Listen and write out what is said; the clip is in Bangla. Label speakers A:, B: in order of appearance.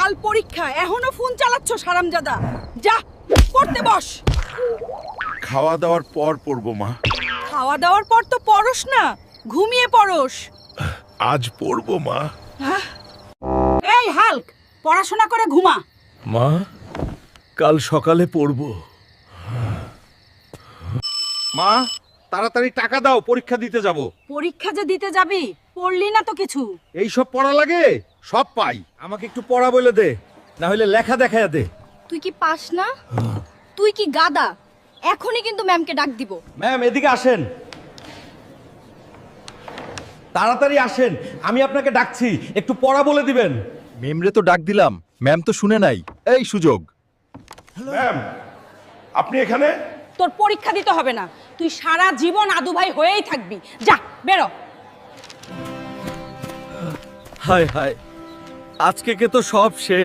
A: কাল পরীক্ষা, এখনো ফোন চালাচ্ছ হারামজাদা। যা পড়তে বস।
B: খাওয়া দাওয়ার পর পড়বো মা।
A: খাওয়া দাওয়ার পর তো পড়স না, ঘুমিয়ে পড়স।
B: আজ পড়বো মা।
A: এই হাল্ক, পড়াশোনা করে ঘুমা।
B: মা, কাল সকালে পড়বো।
C: মা, তাড়াতাড়ি টাকা দাও, পরীক্ষা দিতে যাব।
A: পরীক্ষা যে দিতে যাবি, পড়লি না তো কিছু।
C: এই সব পড়া লাগে, সব পাই। আমাকে একটু পড়া বলে দে, না হলে লেখা দেখায়া দে।
D: তুই কি পাস না? তুই কি গাদা? এখনই কিন্তু ম্যামকে ডাক দিব।
C: ম্যাম, এদিকে আসেন, তাড়াতাড়ি আসেন, আমি আপনাকে ডাকছি, একটু পড়া বলে দিবেন।
E: মেমরে তো ডাক দিলাম, ম্যাম তো শুনে নাই। এই সুযোগ।
B: ম্যাম, আপনি এখানে?
A: তোর পরীক্ষা দিতে হবে না, তুই সারা জীবন আদু ভাই হয়েই থাকবি। যা বেরো।
C: হায় হায়, আজকে কে তো সব শেষ।